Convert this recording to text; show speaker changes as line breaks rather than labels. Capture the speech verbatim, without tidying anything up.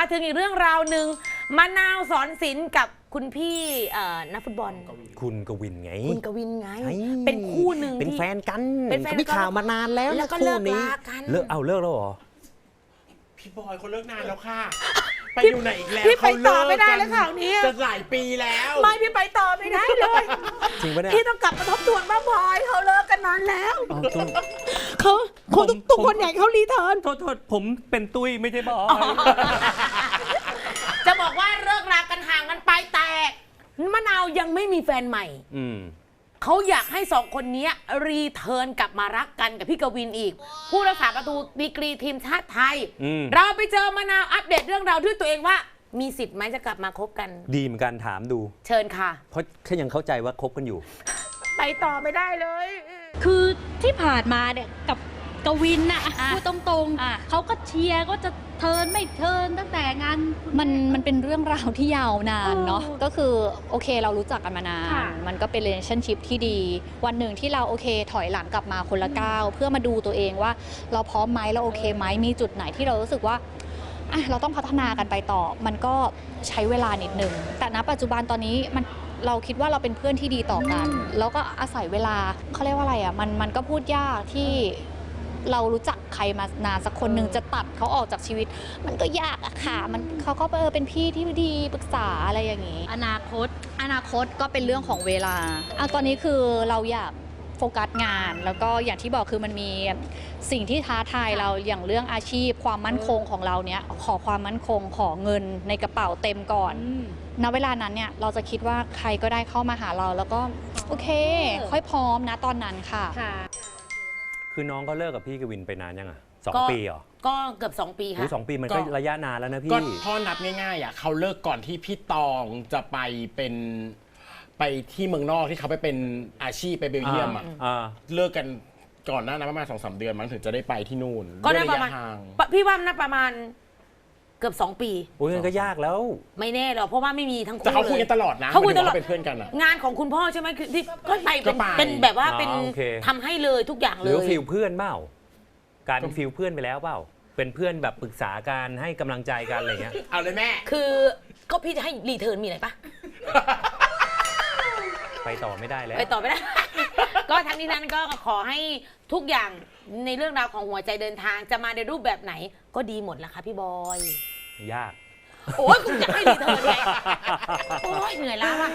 มาถึงอีกเรื่องราวหนึ่งมะนาวสอนศิลป์กับคุณพี่นักฟุตบอล
คุณกวินไง
คุณกวินไงเป็นคู่หนึ่ง
เป็นแฟนกัน
เป็นแฟน
มีข่าวมานานแล้ว
แล้วก็เลิกลากัน
เลิกเอาเลิกแล้วเหรอ
พี่บอยเขาเลิกนานแล้วค่ะไปอยู่ไหนอีกแล้ว
พี่ไปต่อไม่ได้แล้วข่าวนี้
จะหลายปีแล้ว
ไม่พี่ไปต่อไม่ได้เลย
จริงปะเนี่ย
พี่ต้องกลับมาทบทวนว่าบอยเขาเลิกกันนานแล้วเขาคนทุกคนอยากเขารีเทิร์น
โทษโทษผมเป็นตุ้ยไม่ใช่บอย
จะบอกว่าเลิกรากันห่างกันไปแต่มะนาวยังไม่มีแฟนใหม่เขาอยากให้สองคนนี้รีเทิร์นกลับมารักกันกับพี่กวินอีกผู้รักษาประตูดีกรีทีมชาติไทยเราไปเจอมะนาวอัปเดตเรื่องราวด้วยตัวเองว่ามีสิทธิ์ไหมจะกลับมาคบกัน
ดีเหมือนกันถามดู
เชิญค่ะ
เพราะแค่ยังเข้าใจว่าคบกันอยู่
ไปต่อไม่ได้เลย
คือที่ผ่านมาเนี่ยกับกวินน่ะพูดตรงๆเขาก็เชียร์ก็จะเทิร์นไม่เทิร์นตั้งแต่งานมันมันเป็นเรื่องราวที่ยาวนานเนาะก็คือโอเคเรารู้จักกันมานานมันก็เป็น relationship ที่ดีวันหนึ่งที่เราโอเคถอยหลังกลับมาคนละก้าวเพื่อมาดูตัวเองว่าเราพร้อมไหมเราโอเคไหมมีจุดไหนที่เรารู้สึกว่าเราต้องพัฒนากันไปต่อมันก็ใช้เวลานิดนึงแต่ณปัจจุบันตอนนี้มันเราคิดว่าเราเป็นเพื่อนที่ดีต่อกันแล้วก็อาศัยเวลาเขาเรียกว่าอะไรอ่ะมันมันก็พูดยากที่เรารู้จักใครมานานสักคนหนึ่งจะตัดเขาออกจากชีวิตมันก็ยากอะค่ะมันเขาก็เออเป็นพี่ที่ดีปรึกษาอะไรอย่างนี้อนาคตอนาคตก็เป็นเรื่องของเวลาอ่ะตอนนี้คือเราอยากโฟกัสงานแล้วก็อย่างที่บอกคือมันมีสิ่งที่ท้าทายเราอย่างเรื่องอาชีพความมั่นคงของเราเนี้ยขอความมั่นคงขอเงินในกระเป๋าเต็มก่อนณเวลานั้นเนี่ยเราจะคิดว่าใครก็ได้เข้ามาหาเราแล้วก็โอเคค่อยพร้อมนะตอนนั้นค่ะ
คือน้องก็เลิกกับพี่กวินไปนานยังอ่ะสองปีเหรอ
ก็เกือบสองปีค่ะ
สองปีมันก็ระยะนานแล้วนะพี่
ก็พ่อนับง่ายๆอ่ะเขาเลิกก่อนที่พี่ตองจะไปเป็นไปที่เมืองนอกที่เขาไปเป็นอาชีพไปเบลเยียมอ่ะเลิกกันก่อนหน้านั้นประมาณสองสามเดือนมั้งถึงจะได้ไปที่นู่น
ก็ได้ประมาณพี่ว่าน่าประมาณเกือบสองปี
โอ้ยมันก็ยากแล้ว
ไม่แน่หรอกเพราะว่าไม่มีทั้งคู่
แต่เขาคุยกันตลอดนะ
เขาคุยตลอด
เป็นเพื่อนกันอ่ะ
งานของคุณพ่อใช่ไหมคือที่ก็ไปเป็นแบบว่าเป็นทำให้เลยทุกอย่างเลย
หรือฟิลเพื่อนเปล่าการเป็นฟิลเพื่อนไปแล้วเปล่าเป็นเพื่อนแบบปรึกษาการให้กำลังใจกันอะไรเงี้ย
เอาเลยแม่
คือก็พี่จะให้รีเทิร์นมีอะไรปะ
ไปต่อไม่ได้แล้ว
ไปต่อไม่ได้ก็ทั้งนี้นั้นก็ขอให้ทุกอย่างในเรื่องราวของหัวใจเดินทางจะมาในรูปแบบไหนก็ดีหมดแหละค่ะพี่บอย
ยาก
โอ้ยคุณจะให้รีเทิร์นไงโอ้ยเหนื่อยแล้วอะ